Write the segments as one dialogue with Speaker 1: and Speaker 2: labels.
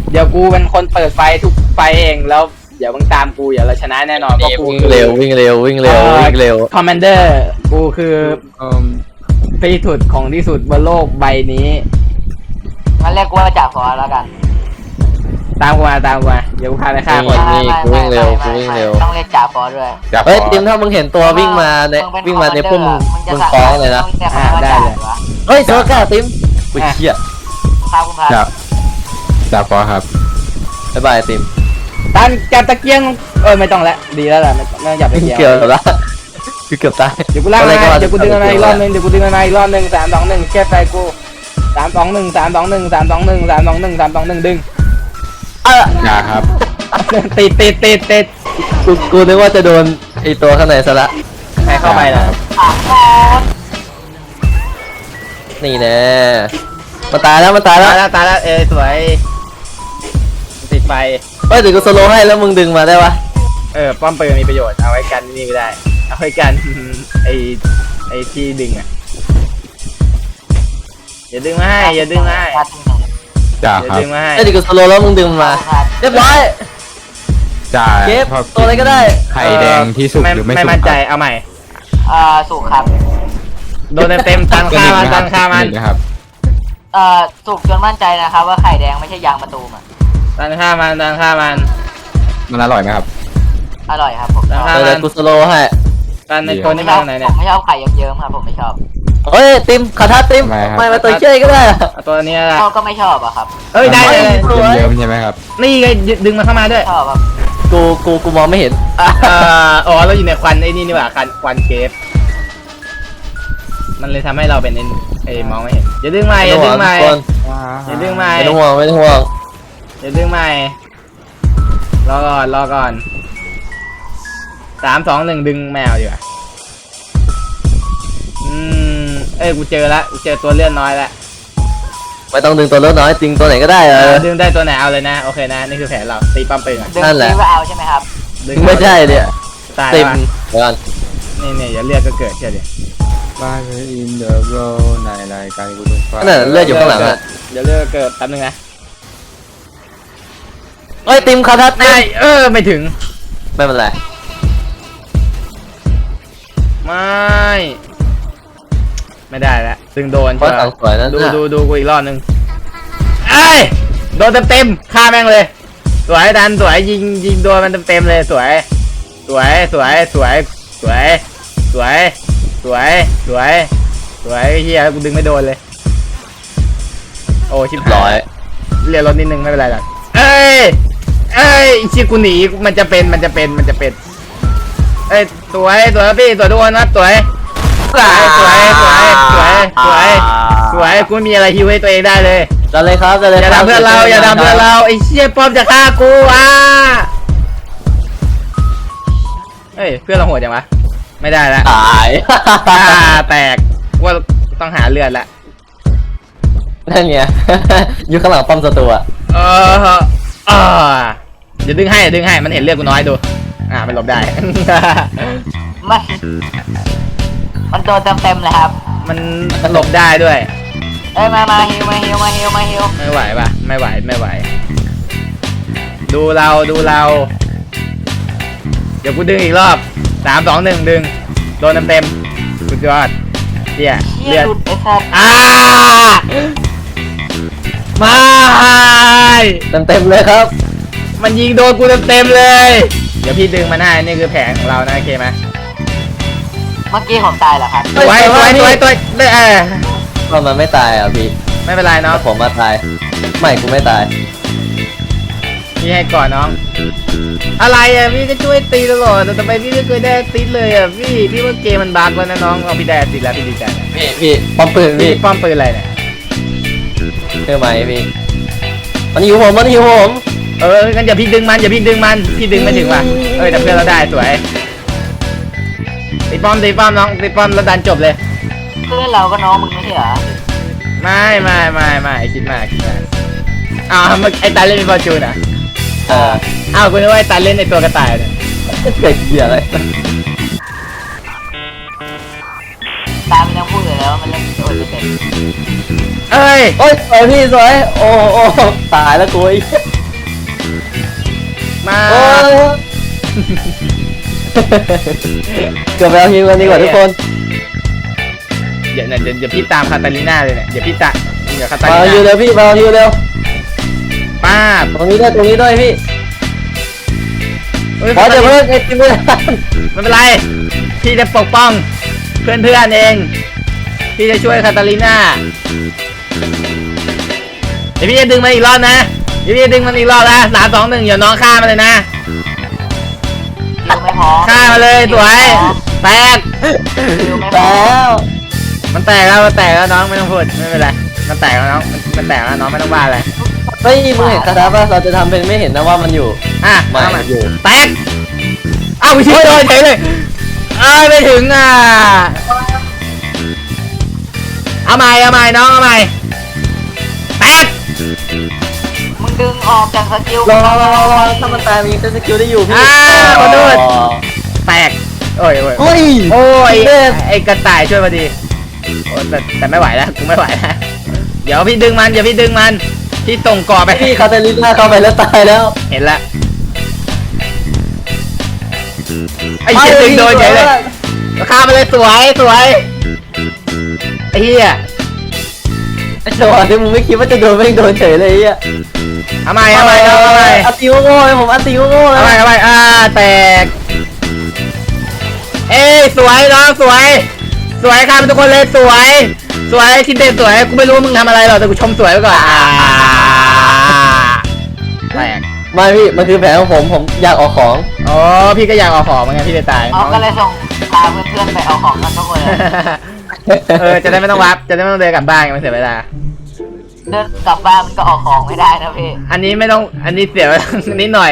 Speaker 1: เดี๋ยวกูเป็นคนเปิดไฟทุกไฟเองแล้วเดี๋ยวมึงตามกูเดี๋ยวเราชนะแน่นอนเพราะกู
Speaker 2: วิ่งเร็ววิ่งเร็ววิ่งเร็ววิ่งเร็ว
Speaker 1: คอมมานเดอร์กูคือที่สุดของที่สุดบนโลกใบนี้
Speaker 3: งั้นเรียกว่าจ่าฟอแล้วกัน
Speaker 1: ตามกูมาเดี๋ยวกูพาไปฆ่าคน
Speaker 2: นี่กูวิ่งเร็วกูวิ่งเร็ว
Speaker 3: ต้องเรียกจ่าฟอด้วย
Speaker 2: เฮ้ยติมถ้ามึงเห็นตัววิ่งมาในวิ่งมาในพุ่มมึงฟ้องเลยนะ
Speaker 1: ได้เลย
Speaker 2: เฮ้ยโซก้าติมกูเชี่ย
Speaker 3: ครับคุณพา
Speaker 4: จ่าฟอครับ
Speaker 2: บ๊ายบายติม
Speaker 1: ตันจับตะเกียงไม่ต้องแล้วดีแล้วล่ะไม่ต้องจับตะเกียง
Speaker 2: เกือบละกูเกือบตาย
Speaker 1: เดี๋ยวกูลากมาเดี๋ยวกูดึงมาอีกรอบนึง3 2 1แค่ไฟกู3 2 1 3 2 1 3 2 1 3 2 1 3 2 1ดึง
Speaker 4: จ่าครับ
Speaker 1: ติด
Speaker 2: กูนึกว่าจะโดนไอตัวข้างในซะละ
Speaker 1: ใครเข้าไปล่ะ
Speaker 3: ถามก่อน
Speaker 2: นี่แน่มันตายแล้วมันตายแล้ว
Speaker 1: ตายแล้วสวยติดไฟ
Speaker 2: เฮ้ยเดี๋ยวกูสโลว์ให้แล้วมึงดึงมาได้ปะ
Speaker 1: ป้อมปืนมีประโยชน์เอาไว้กันนี่ก็ได้เอาไว้กันไอที่ดึงอ่ะอย่าดึงมาให้อย่าดึงมาให้
Speaker 4: จ่า
Speaker 1: อย่า
Speaker 4: ครับ
Speaker 1: ดึงมาให้
Speaker 2: เฮ้ยเดี๋ยวกูสโลว์แล้วมึงดึงมันมาเรียบร้อย
Speaker 4: จ่า
Speaker 2: เก็บ
Speaker 4: ชอบ
Speaker 2: ตัวอะไรก็ได้
Speaker 4: ไข่แดงที่สุกหรือไม่สุก
Speaker 1: ไม่มั่นใจ
Speaker 4: ครับ
Speaker 1: เอาใหม่
Speaker 3: สุกครับ
Speaker 1: โดนเต็มตันฆ่ามันตันฆ่ามัน
Speaker 4: นะครับ
Speaker 3: สุกจนมั่นใจนะครับว่าไข่แดงไม่ใช่ยางมะตูมอ่ะ
Speaker 1: ตันฆ่ามัน
Speaker 4: มันอร่อยไหมครับ
Speaker 3: อร่อยครับผม
Speaker 1: ตันฆ่า
Speaker 2: เดี๋
Speaker 1: มั
Speaker 2: ยวน กูสโลว์ให้
Speaker 1: ตันในตัวนี้มาทางไหน
Speaker 3: ผ
Speaker 1: เนี่ย
Speaker 3: มไม่ชอบไข่เยิ้มๆครับผมไม่ชอบ
Speaker 2: เฮ้ยติมขาทัดติม
Speaker 4: ทำไมครับ
Speaker 2: ไม่มาตัวเชื่อยก็ได้
Speaker 1: เอาตัวนี้ละ
Speaker 3: ก็ไม่ชอบอะครับ
Speaker 1: เอ้ยได้เลย
Speaker 2: สวย
Speaker 4: เยิ้มๆใช่ไหมครับ
Speaker 1: นี่ไงดึงมันเข้ามาด้วย
Speaker 3: ชอบครับ
Speaker 2: กูมองไม่เห็น
Speaker 1: อ๋อเราอยู่ในควันไอ้นี่นี่หว่าควันเกฟมันเลยทำให้เราเป็นไอ้มองไม่เห็นอย่าดึงใหม่อย่าดึงใหม่
Speaker 2: ทุกคน
Speaker 1: อย่าดึงใหม่
Speaker 2: ไม่ต้องห่วงไม่ต้องห่วง
Speaker 1: อย่าดึงใหม่รอก่อน3 2 1ดึงแมวดีกว่ากูเจอละกูเจอตัวเลื่อนน้อยละ
Speaker 2: ไม่ต้องดึงตัวเล็กน้อยดึงตัวไหนก็ได้
Speaker 1: ดึงได้ตัวไหนเอาเลยนะโอเคนะนี่คือแผนเราตีปั๊มปืนอ่ะ
Speaker 3: ดึง
Speaker 2: นั่นแหละ
Speaker 3: ซีว่าเอาใช่ไหมครับ
Speaker 1: ดึง
Speaker 2: ไม่ใช่เนี่ย
Speaker 1: ตาย
Speaker 2: ติม
Speaker 1: แล้ว
Speaker 2: เดี๋ยวก่อน
Speaker 1: นี่อย่าเลือดก็เกิดเชื่อดิ
Speaker 4: บ้านอินเดอะโรในรายการกูต้องฟัง
Speaker 2: นั่นนะเลือดอยู่ข้างหลังอะ
Speaker 1: เดี๋ยวเลือดก็เกิดแป๊บนึงนะ
Speaker 2: เฮ้ยติมขาทัดติ
Speaker 1: ได้
Speaker 2: ม
Speaker 1: ไม่ถึง
Speaker 2: ไม่เป็นไร
Speaker 1: ไม่ได้แล้วดึงโดน
Speaker 2: เพราะ
Speaker 1: ใช่
Speaker 2: สั
Speaker 1: ปะ
Speaker 2: งสวยนั่น
Speaker 1: ดูกูอีกรอบนึงไอ้ยโดนเต็มฆ่าแม่งเลยสวยดันสวยยิงโดนมันเต็มเลยสวยเฮียกูดึงไม่โดนเลยโอ้ชิบหา
Speaker 2: ร้อย
Speaker 1: ยเรียนรถนิดนึงไม่เป็นไรหรอกเอ้ยชิกูหนีมันจะเป็นเอ้ยสวยพี่สวยทุกคนนะสวยกูไม่มีอะไรฮิวให้ตัวเองได้เลย
Speaker 2: กันเลยครับกันเลย
Speaker 1: อย่า
Speaker 2: ค
Speaker 1: ทำ
Speaker 2: บ
Speaker 1: เพื่อนเราไอ้เชี่ยป้อมจะฆ่ากูเฮ้ยเพื่อนเราโหดจังวะไม่ได้ละ
Speaker 2: ตาย
Speaker 1: แตกว่าต้องหาเลือดละ
Speaker 2: นั่นไง อยู่ข้างหลังป้อมศัตรูอะ
Speaker 1: อย่าดึงให้มันเห็นเลือดกูน้อยดูมันหลบได้
Speaker 3: มันโดนเต็มเลยครับ
Speaker 1: มันหลบได้ด้วย
Speaker 3: มาฮิว
Speaker 1: ไม่ไหวปะไม่ไหวดูเราเดี๋ยวกูดึงอีกรอบ3 2 1ดึงโดนเต็มสุดยอดเหี้ย
Speaker 3: เชี่
Speaker 1: เลื
Speaker 3: ย
Speaker 1: อด
Speaker 3: หลุดไอ้สัตว์
Speaker 1: ไม่
Speaker 2: เต็มเลยครับ
Speaker 1: มันยิงโดนกูเต็มเลย เดี๋ยวพี่ดึงมาหน้านี่คือแผนของเรานะโอเคไหม
Speaker 3: เมื่อกี้ผมตายเหรอครับ
Speaker 1: ตัว
Speaker 2: ว่ามันไม่ตายอ่ะพี่
Speaker 1: ไม่เป็นไรเนาะ
Speaker 2: แต่ผมมาตายไม่กูไม่ตาย
Speaker 1: พี่ให้ก่อนน้อง อะไรอ่ะพี่ก็ช่วยตีตลอดแต่ทำไมพี่ไม่เคยได้ติดเลยอ่ะพี่ว่าเกมมันบั๊กแล้วนะน้องเอาพี่ได้ติดแล้วพี่ดีใจนะ
Speaker 2: พี่ป้อมปืน
Speaker 1: พี่
Speaker 2: พี่
Speaker 1: ป้อมปืนอะไรเนี่ย
Speaker 2: เชื่อไหมพี่มันหิวผม
Speaker 1: งั้นอย่าพี่ดึงมันพี่ดึงไม่ถึงว่ะแต่เพื่อนเราได้สวยตีป้อมน้องตีป้อมแล้วดันจบเลย
Speaker 3: เพื่อนเราก็น้องมึงไม่ใช่เหรอ
Speaker 1: ไม่คิดมากไอ้ตาเล่นเป็นฟอร์จูนอ่ะ กูนึกว่าไอ้ตาเล่นในตัวกระต่ายเนี่ย
Speaker 2: เกิดเหี้ยอะไร
Speaker 3: ตามมันยังพูดอยู่แล้วมันเล่นโดนไม่เป็น
Speaker 1: เอ้ย
Speaker 2: โอ้ยสวยพี่สวยโอ้ตายแล้วกู
Speaker 1: มา
Speaker 2: โอ้ยเกือบไปเอาฮิวกันดีกว่าทุกคน
Speaker 1: เดี๋ยวพี่ตามคาตาลิน่าเลยเนี่ยเดี๋ยวคาตา
Speaker 2: มา
Speaker 1: ลิ
Speaker 2: เอาฮิว
Speaker 1: น่า
Speaker 2: เร็วพี่มาเอาฮิวเร็ว
Speaker 1: ป้าบ
Speaker 2: ตรงนี้ด้วยพี่
Speaker 1: เฮ้ย
Speaker 2: ขอจะเพิ่มไอติมไม่ได้
Speaker 1: ไม่เป็นไรพี่จะปกป้องเพื่อนเองพี่จะช่วยคาตาลิน่าเดี๋ยวพี่จะดึงมันอีกรอบนะเดี๋ยวพี่จะดึงมันอีกรอบนะ3 2 1เดี๋ยวน้องฆ่ามันเลยนะ
Speaker 3: คิวไม่พอ
Speaker 1: ฆ่ามาเลยสวยแตก
Speaker 3: คิวไม่พอ
Speaker 2: แล้ว
Speaker 1: มันแตกแล้วน้องไม่ต้องพูดไม่เป็นไรมันแตกแล้วน้องมันแตกแล้วน้องไม่ต้องว่าอะไร
Speaker 2: ไม่มึงเห็นคาถาป่ะเราจะทำเป็นไม่เห็นนะว่ามันอยู่
Speaker 1: อ่ะ
Speaker 2: ไม่
Speaker 1: เอามา
Speaker 2: อยู่
Speaker 1: แตกเอ้าวิชิตโดนเฉยเลยไม่ถึงอ่ะเอาใหม่น้องเอาใหม่แตก
Speaker 3: มึงดึงออกจากสกิล
Speaker 2: รอถ้ามันตายมันยังจะสกิลได้อยู่พี่
Speaker 1: ขอโทษแตกโอ้ย
Speaker 2: เฮ้ย
Speaker 1: โอ้ย
Speaker 2: เด็ด
Speaker 1: ไอ้กระต่ายช่วยมาดีโอ้แต่ไม่ไหวแล้วกูไม่ไหวแล้วเดี๋ยวพี่ดึงมันพี่ส่งก่อไป
Speaker 2: พี่คาเตลิน่าเข้าไปแล้วตายแล้ว
Speaker 1: เห็นละไอ้เหี้ยดึงโดนเฉยเลยข้ามไปเลยสวยไอ้เหี้ย
Speaker 2: ไอ้จังหวะที่มึงไม่คิดว่าจะโดนไม่โดนเฉยเลยไอ้เหี้ย
Speaker 1: เอาใหม่
Speaker 2: อัตติโง่เลยผมอัตติโง่เลย
Speaker 1: เอาใหม่แตกเอ้ยสวยน้องสวยข้ามทุกคนเลยสวยคิดเด่นสวยกูไม่รู้มึงทำอะไรหรอกแต่กูชมสวยไว้ก่อนแตก
Speaker 2: ไม่พี่มันคือแผนของผมอยากออกของ
Speaker 1: อ๋อพี่ก็อยากเอาของเหมือนกันพี่เลยตาย
Speaker 3: เอาก็เลยส่งพาเพื่อนๆไปเอาของกันทุกคนเลย
Speaker 1: จะได้ไม่ต้องวับจะได้ไม่ต้องเดินกลับบ้านมันเสียเวลา
Speaker 3: เดินกลับบ้านมันก็ออกของไม่ได้นะพี่
Speaker 1: อันนี้ไม่ต้องอันนี้เสียเวลา นิดหน่อย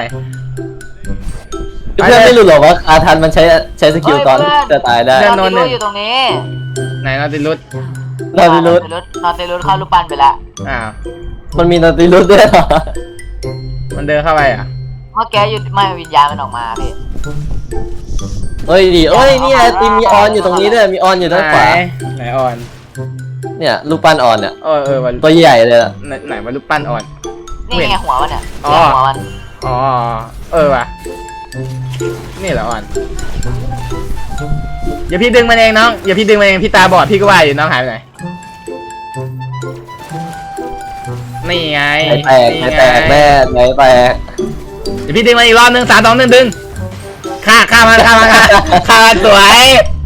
Speaker 2: เพื่อนไม่รู้หรอกว่าอาทันมันใช้สกิลตอนจะตายได้
Speaker 3: นอนติรุอยู่ตรงนี้
Speaker 1: ไหนนอติลุส
Speaker 2: นอนติรุส
Speaker 3: นอนติรุเข้ารูปปั้นไปแล้ว
Speaker 1: อ้าว
Speaker 2: มันมีนอนติรุสด้วยเหรอ
Speaker 1: มันเดินเข้าไปอ่ะ
Speaker 3: เมื่อกี้อยู่ไม่วิญญาณมันออกมาพี่
Speaker 2: เอ้ยดีนี่ไอติมมีออนอยู่ตรงนี้ด้วยมีออนอยู่ด้านขวา
Speaker 1: ไหนออน
Speaker 2: เนี่ยรูปปั้นออนเนี่ย
Speaker 1: วัน
Speaker 2: ตัวใหญ่เลยอ่ะ
Speaker 1: ไหนว่ารูปปั้นออน
Speaker 3: นี่ไงหัวมันเนี่ย
Speaker 1: อ๋อ
Speaker 3: หัวมัน
Speaker 1: อ๋อว่ะนี่เหรอออนอย่าพี่ดึงมันเองน้องอย่าพี่ดึงมันเองพี่ตาบอดพี่ก็ว่าอยู่น้องหายไปไหนนี่ไง
Speaker 2: ไหนแตกแน่ไหนแตก
Speaker 1: เดี๋ยวพี่ดึงมาอีกรอบนึง3 2 1ดึงฆ่ามันสวย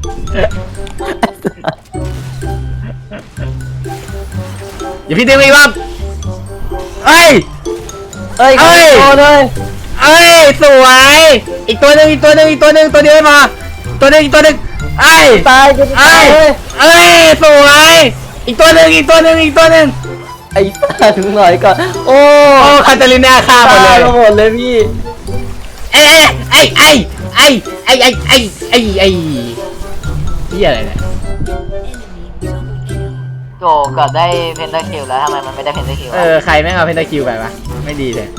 Speaker 1: เดี๋ยวพี่ดึงมาอีกรอบเอ้ย
Speaker 2: โอ้เลย
Speaker 1: สวยอีกตัวหนึ่งตัวเดียวไม่พอตัวหนึ่ง
Speaker 2: ตายจะตายเลย
Speaker 1: สวยอีกตัวหนึ่ง
Speaker 2: ไอ้ตาถึงหน่อยก่อนโอ้
Speaker 1: คาตาลิน่าฆ่าหมดเลย
Speaker 2: หมดเลยพี่
Speaker 1: ไอ้เหี้ยอะไรเนี่ย
Speaker 3: โจเกือบได้เพนเทอร์คิวแล้วทำไมมันไม่ได้เพนเทอร์คิว
Speaker 1: ใครแม่งเอาเพนตาคิวไปวะไม่ดีเลย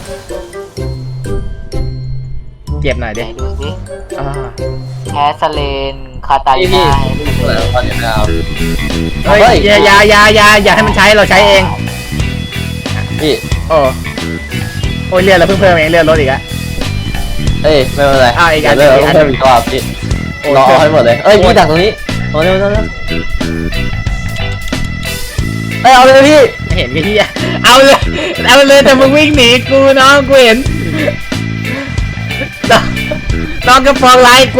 Speaker 1: เก็บหน่อย
Speaker 3: ไหน
Speaker 1: ดิ
Speaker 3: ดูสิ
Speaker 1: อ่า
Speaker 3: แคสเลนคาตาลิ
Speaker 2: พี่
Speaker 3: น่า
Speaker 2: ตอนนี้ไม่เอา
Speaker 1: เฮ้ยอย่าให้มันใช้เราใช้เอง
Speaker 2: พี่
Speaker 1: โอ้ยเลือดเราเพิ่มเองเลือดลดอีกอะ
Speaker 2: เอ้ยไม่เป็นไร
Speaker 1: อีกอัน
Speaker 2: เดี๋ยว
Speaker 1: อีกอัน
Speaker 2: เพิ่มอีกรอบพี่รอให้หมดเลยพี่ดักตรงนี้โอ้เร็วเอาเลยพี่
Speaker 1: เห็นไอ้เหี้ยเอาเลยแต่มึงวิ่งหนีกูน้องกูเห็นน้องก็ฟ้องร้ายกู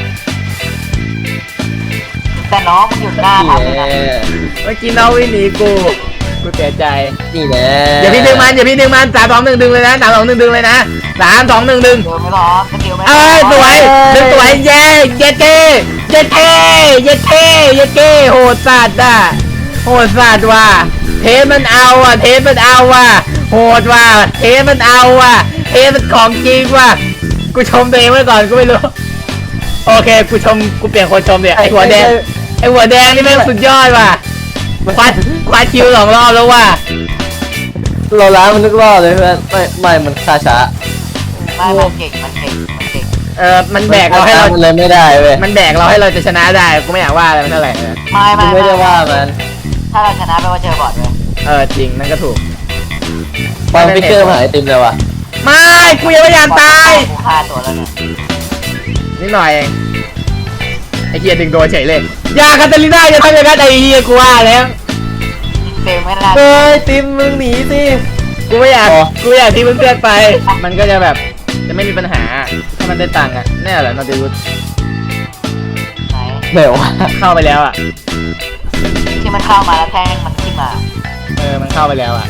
Speaker 3: แต่น้องมันอยู่หน้าทับเลยนะ
Speaker 1: เมื่อกี้น้องวิ่งหนีกูเสียใจ
Speaker 2: นี่แหละ
Speaker 1: อย่าพี่ดึงมัน3 2 1ดึงเลยนะ3 2 1ดึงเลยนะ3 2 1ดึง
Speaker 3: เดี๋ยวไม่ร้อนสกิลไม่
Speaker 1: สวยดึงสวยเย้เย้เก้โหดสัตว์ว่ะเทมันเอาว่ะโหดว่ะเทมันเอาว่ะเทมันของจริงว่ะกูชมตัวเองไว้ก่อนกูไม่รู้โอเคกูเปลี่ยนคนชมเนี่ยไอหัวแดงนี่แม่งสุดยอดว่ะคว้าคิว2 รอบแล้วว่ะ
Speaker 2: เราล้างมันนึกรอบเลยเพื่อนไม่มันช้า
Speaker 3: ไม่มันเก่ง
Speaker 1: มันแบกเราให้เรา
Speaker 2: มันเลยไม่ได้เว้ย
Speaker 1: มันแบกเราให้เราจะชนะได้กูไม่อยากว่าอะไรมันเท่าไหร่
Speaker 2: ไม่ได้ว่ามัน
Speaker 3: ถ้าเราชนะแปลว่าเจอบอดเลย
Speaker 1: จริงนั่นก็ถูก
Speaker 2: ฟังพิกเกอร์มาหาไอติมเลยว่ะ
Speaker 1: ไม่กูยังไม่อยากตาย
Speaker 3: กูฆ่าตัวแล้วเนี่ย
Speaker 1: นิดหน่อยเองไอ้เฮียดึงโดนเฉยเลยอย่าคาตาลิน่าอย่าทำอย่างนั้นไอ้เฮียกูว่าแล้ว
Speaker 3: เซลไม่ได้
Speaker 2: เฮ้ยติมมึงหนีสิ
Speaker 1: กูไม่อยาก
Speaker 2: อ๋อ
Speaker 1: กูอยากที่เพื่อนๆไป มันก็จะแบบจะไม่มีปัญหาถ้ามันได้ตังค์อ่ะแน่แหละนอติรุส
Speaker 3: ไหน
Speaker 2: ไหนวะ
Speaker 1: เข้าไปแล้วอ่ะ
Speaker 3: ที่มันเข้ามาแล้วแท่งมันขึ้นมา
Speaker 1: มันเข้าไปแล้วอ่ะ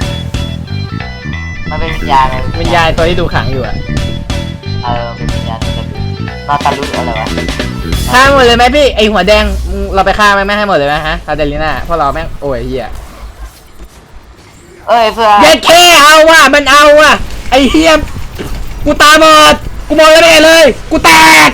Speaker 3: มันเป็นวิญญาณเลย
Speaker 1: วิญญาณตัวที่ดูขังอยู่อ่ะ
Speaker 3: เป็นวิญญาณจะดูนอตารุอะไรวะ
Speaker 1: ฆ่าหมดเลยไหมพี่ไอหัวแดงมึงเราไปฆ่าไหมไม่ให้หมดเลยไหมฮะคาเดลิน่าเพราะเราแม่งโอ้ยเฮีย
Speaker 3: เอ้ยเพื่อ
Speaker 1: เย็ดเคเอาว่ะมันเอาว่ะไอเฮียกูตาบอดกูมองไม่เห็นเลยกูแตก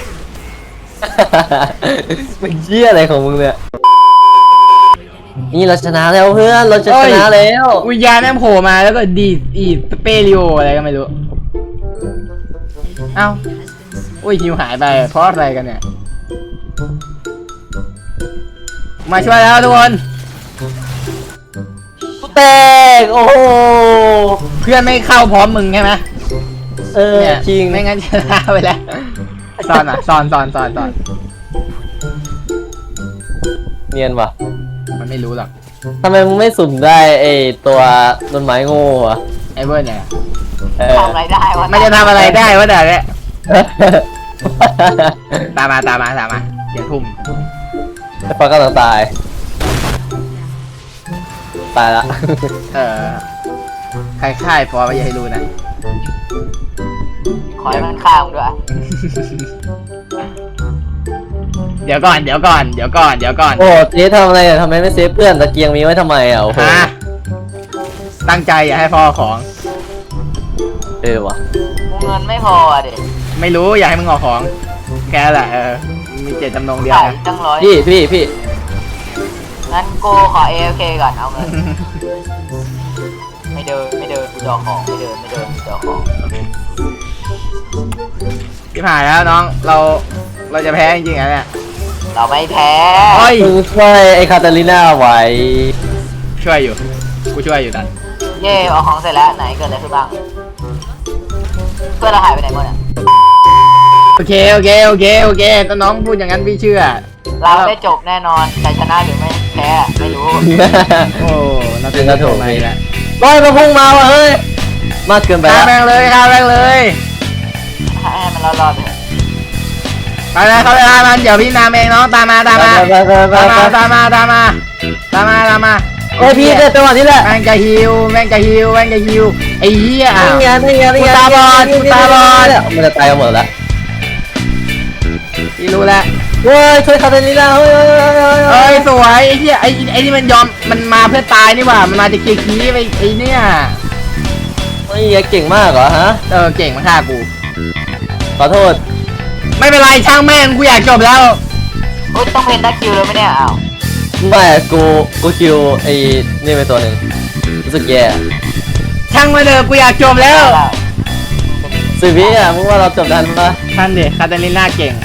Speaker 2: มึงเชี่ยอะไรของมึงเนี่ยนี่เราชนะแล้วเพื่อนเราจะชนะแล้ว
Speaker 1: วิญญาณแม่งโผล่มาแล้วก็ดีดอีดสเปริโออะไรก็ไม่รู้เอ้าอุ้ยฮิวหายไปเพราะอะไรกันเนี่ยมาช่วยแล้วทุกคน
Speaker 2: แตกโอ้โห
Speaker 1: เพื่อนไม่เข้าพร้อมมึงใช่ไหม เนี่ย
Speaker 2: จริง
Speaker 1: ไม่งั้นชนะไปแล้วสอนอ่ะสอน
Speaker 2: เนียนว่ะ
Speaker 1: มันไม่รู้หรอก
Speaker 2: ทำไมมึงไม่สุ่มได้ไอตัวต้นไม้โง่อะ
Speaker 1: ไอ้เบิร์ดเนี่ย
Speaker 2: เออ
Speaker 3: ทำอะไรได้วะ
Speaker 1: มันจะทำอะไรได้วะเดี๋ยวเนี่ยตามมาเดี๋ยวทุ่ม
Speaker 2: แต่ปลากำลังตาย ตายละ
Speaker 1: ใครค่ายฟอร์อย่าให้รู้นะ
Speaker 3: ขอให้มันฆ่ามึงด้วย
Speaker 1: เดี๋ยวก่อน
Speaker 2: โอ้เจ๊ทำอะไรอะทำไมไม่เซฟเพื่อนตะเกียงมีไว้ทำไมอ่ะโอ้โห
Speaker 1: ฮะตั้งใจอย่าให้พ่อของ
Speaker 2: เออว่ะ
Speaker 3: กูเงินไม่พออ่ะเด็ก
Speaker 1: ไม่รู้อย่าให้มึงออกของ แกแหละมีเจตจำนงเดียว
Speaker 3: ขาย
Speaker 1: นะ
Speaker 3: ตั้งร้อย
Speaker 2: พี่
Speaker 3: งั้นกูขอ AFK ก่อนเอาเงิน ไม่เดินกูจอของไม่เดินกูจอของ
Speaker 1: ที่ผ่านแล้วน้องเราจะแพ้จริงๆนะเนี่ย
Speaker 3: เราไม่แพ้
Speaker 1: โอ้ย
Speaker 2: มึงช่วยไอ้คาตาลิน่าไว้
Speaker 1: ช่วยอยู่กูช่วยอยู่ตัน
Speaker 3: เย่เอาของเสร็จแล้วไหนเกิดอะไรขึ้นบ้างเพื่อนเราหายไปไหนหมดอ่ะ
Speaker 1: โอเคถ้าน้องพูดอย่างนั้นพี่เชื่อ
Speaker 3: เราได้จบแน่นอนแต่ชนะหรือไม่แพ้ไม่รู้
Speaker 1: โอ้น่าเป็นกระโถนไปแล้ว
Speaker 2: ร้อยมาพุ่งมาว่ะเฮ้ย มากเกินไป
Speaker 1: ฆ่า
Speaker 2: แล้ว
Speaker 1: แม่งเลยฆ่าแม่งเลย
Speaker 3: ให้มันรอดๆไปเถอะ
Speaker 1: ไปเลยเขาไปฆ่ามันเดี๋ยวพี่นามเองน้องตามมา
Speaker 2: ไปโอ้ยพี่เจอจังหวะนี้แหละ
Speaker 1: แม่งจะฮิวไอ้เหี้ย
Speaker 2: นี่ไง
Speaker 1: กูตาบอด
Speaker 2: มันจะตายกันหมดแล้ว
Speaker 1: พี่รู้แล้ว
Speaker 2: เฮ้ยช่วยคาตาลิน่าเฮ้ย
Speaker 1: เอ้ยสวยไอ้เหี้ยไอ้นี่มันยอมมันมาเพื่อตายนี่หว่ามันมาจะเกียร์ขี้ไปไอ้เนี่ย
Speaker 2: เฮ้ยเก่งมากเหรอฮะ
Speaker 1: เก่งมาฆ่ากู
Speaker 2: ขอโทษ
Speaker 1: ไม่เป็นไรช่างแม่งกูอยากจบแล้ว
Speaker 3: โอ๊ยต้องเพนด้าคิวเลยไหมเนี่ยอ้าว
Speaker 2: ไม่กูคิวไอ้นี่ไปตัวหนึ่งรู้สึกแย่
Speaker 1: ช่างมาเถอะกูอยากจบแล้ว
Speaker 2: สิบวิอ่ะมึงว่าเราจบทันปะ
Speaker 1: ท่านดิคาตาลิน่าเก่ง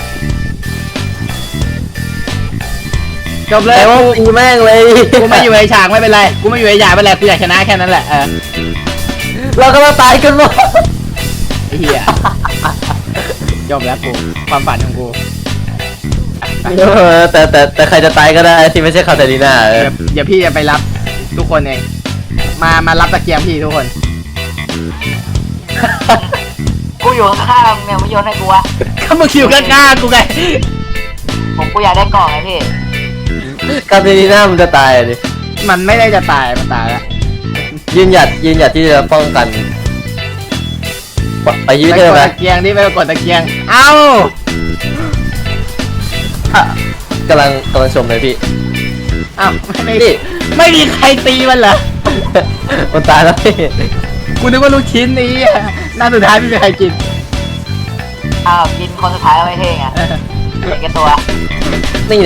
Speaker 1: จบเลย
Speaker 2: แต่ว่ากูแม่งเลย
Speaker 1: กูไม่อยู่ในฉากไม่เป็นไรกูไม่อยู่ในฉากไม่เป็นไรกูอยากชนะแค่นั้นแหละ
Speaker 2: เราก็มาตายกันหมด
Speaker 1: ไอ้เหี้ยจบแล้วกูความฝันของกู
Speaker 2: แต่ใครจะตายก็ได้ที่ไม่ใช่คาตาลิน่า
Speaker 1: เดี๋ยวพี่จะไปรับทุกคนเองมารับตะเกียงพี่ทุกคน
Speaker 3: กูอยู่ข้างๆเนี่ยไม่โยนให้กูวะ
Speaker 1: ก็มึงอยู่ข้างๆกูไง
Speaker 3: กูอยากได้กล่องไงพี่
Speaker 2: คาตาลิน่ามันจะตายอ่ะดิ
Speaker 1: มันไม่ได้จะตายมันตายแล้ว
Speaker 2: ยืนหยัดที่จะป้องกันไปยืด
Speaker 1: ไป
Speaker 2: เธ
Speaker 1: ก
Speaker 2: อ
Speaker 1: ด
Speaker 2: ไหม
Speaker 1: ตะเกียงดิไปกดตะเกียงเอ้าก
Speaker 2: ำลังชมเลยพี่
Speaker 1: เอ้าไม่
Speaker 2: นี่
Speaker 1: ไม่มีใครตีมันเหรอ
Speaker 2: มันตายแล้วพี่
Speaker 1: กูนึกว่าลูกชิ้นนี้น่าสุดท้ายไม่มีใครกิน
Speaker 3: อ้าวกินคนสุดท้ายแล้วไม่เท่ไงเด็กแกตัว
Speaker 2: นี่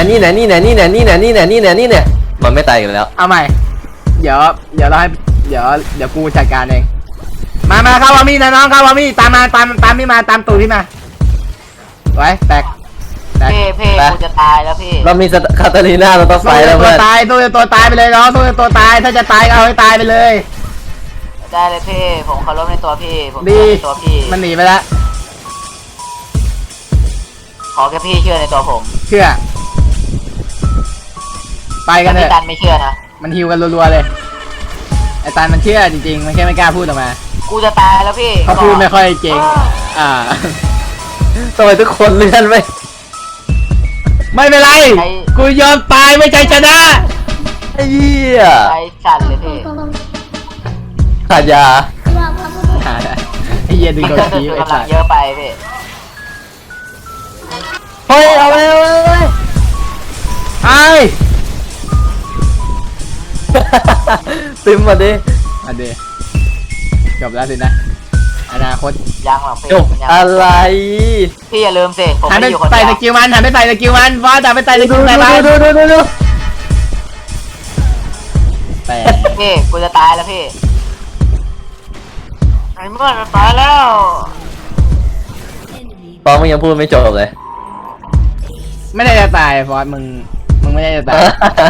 Speaker 2: เนี่ยมันไม่ตายกันแล้ว
Speaker 1: เอาใหม่ เดี๋ยวเราให้เดี๋ยวกูจัดการเองมาเข้าวามี่นะน้องเข้าวามี่ตามพี่มาตามตูดพี่มาไว้แตก
Speaker 3: เพ่กูจะตายแล้วพี่
Speaker 2: เรามีคาตาลิน่าเราต้องไฟแล้ว
Speaker 1: ตั
Speaker 2: เพื่
Speaker 1: ว
Speaker 2: อน
Speaker 1: ตายตัวตายไปเลยน้องตัวตายถ้าจะตายก็เอาให้ตายไปเลย
Speaker 3: ได้เลยพี่ผมเคารพในตัวพี่ผม
Speaker 1: ดี
Speaker 3: เชื่อในตัวพี่
Speaker 1: มันหนีไปแล้ว
Speaker 3: ขอแค่พี่เชื่อในตัวผม
Speaker 1: เชื่อ ไปกันเถ
Speaker 3: พี่
Speaker 1: อะ
Speaker 3: ตันไม่เชื่อนะ
Speaker 1: มันฮิวกันรัวๆเลย ไอ้ตานมันเชื่อจริงๆ มันแค่ไม่กล้าพูดออกมา
Speaker 3: กูจะตายแล้วพี่
Speaker 1: เขาพูดไม่ค่อยเก่ง อ่า
Speaker 2: ทำไมทุกคนเลื่อนไป
Speaker 1: ไม่เป็นไร กูยอมตายไม่ใจชนะ
Speaker 2: ไอ้เหี้ย
Speaker 3: ใจสั่นเลยพี่
Speaker 2: ขาดยา
Speaker 1: ไอ้เหี้ยดึง
Speaker 3: พี่
Speaker 1: โดน
Speaker 3: เกิน
Speaker 1: ที
Speaker 3: ตัว
Speaker 1: ไอ้
Speaker 3: กำลั
Speaker 1: สั
Speaker 3: ง
Speaker 1: ส
Speaker 3: เยอะไปพี่
Speaker 2: เฮ้ยเอาไปเอาไปเอาไป
Speaker 1: ไอ้
Speaker 2: ตึมมาดิ
Speaker 1: มาเดจบแล้วสินะ อนาคต
Speaker 3: ยังหรอกพี่
Speaker 2: จบ
Speaker 3: ยัง
Speaker 2: อะไร
Speaker 3: พี่อย่าลืมสิผม
Speaker 1: หัน
Speaker 3: ไม่
Speaker 1: ไป
Speaker 3: ได้อยู่คน
Speaker 1: ใส่
Speaker 3: เดียว
Speaker 1: สกิลมันหันไปใส่สกิลมันฟอสหันไปใส่สกิ
Speaker 2: ดู
Speaker 1: ล
Speaker 2: ดู
Speaker 1: ใส่มัน
Speaker 2: ดูดูดูดู
Speaker 1: แต่
Speaker 3: พี่กูจะตายแล้วพี่ไอ้เมื่อจะตายแล้ว
Speaker 2: ตอนมึงยังพูดไม่จบเลย
Speaker 1: ไม่ได้จะตายฟอสมึงไม่ได้จะตาย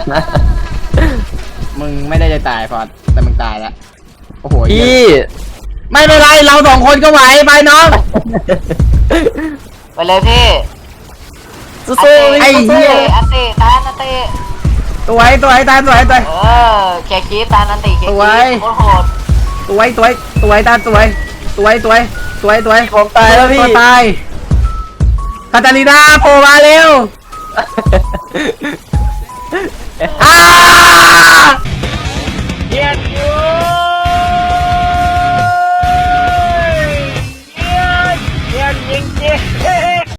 Speaker 1: มึงไม่ได้จะตายฟอสแต่มึงตายแล้ว โอ้โหเหี้ย
Speaker 2: พี่
Speaker 1: ไม่เป็นไรเราสองคนก็ไหวไปน้อง
Speaker 3: ไปเลยพี่
Speaker 2: สู้
Speaker 1: ไอ้
Speaker 2: ๆ
Speaker 1: เหี้ย
Speaker 3: อันตีตานอันตี
Speaker 1: ตัวไอ้ตาย
Speaker 3: เออแค่คีบตานอันตีแค่
Speaker 1: ส
Speaker 3: คี
Speaker 1: วย
Speaker 3: บโคตรโหด
Speaker 1: ตัวตาตัว
Speaker 2: ผมตายแล้วพี่
Speaker 1: ตัวตายคาตาลีนาโผล่มาเร็วอ้า